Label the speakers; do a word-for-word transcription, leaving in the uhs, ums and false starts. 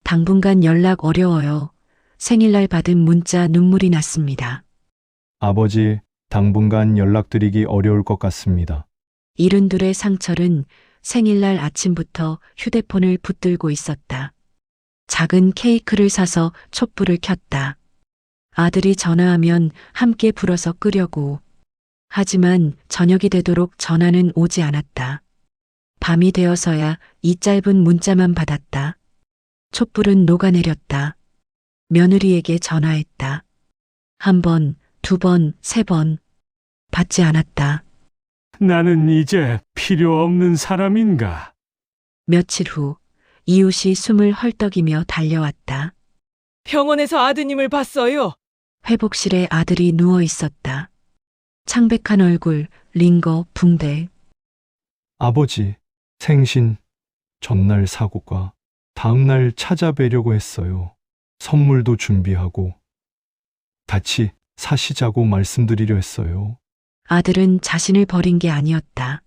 Speaker 1: 당분간 연락 어려워요. 생일날 받은 문자 눈물이 났습니다.
Speaker 2: 아버지, 당분간 연락드리기 어려울 것 같습니다.
Speaker 1: 이른둘의 상철은 생일날 아침부터 휴대폰을 붙들고 있었다. 작은 케이크를 사서 촛불을 켰다. 아들이 전화하면 함께 불어서 끄려고. 하지만 저녁이 되도록 전화는 오지 않았다. 밤이 되어서야 이 짧은 문자만 받았다. 촛불은 녹아내렸다. 며느리에게 전화했다. 한 번, 두 번, 세 번. 받지 않았다.
Speaker 3: 나는 이제 필요 없는 사람인가?
Speaker 1: 며칠 후 이웃이 숨을 헐떡이며 달려왔다.
Speaker 4: 병원에서 아드님을 봤어요.
Speaker 1: 회복실에 아들이 누워 있었다. 창백한 얼굴, 링거, 붕대.
Speaker 2: 아버지, 생신, 전날 사고가 다음날 찾아뵈려고 했어요. 선물도 준비하고 같이 사시자고 말씀드리려 했어요.
Speaker 1: 아들은 자신을 버린 게 아니었다.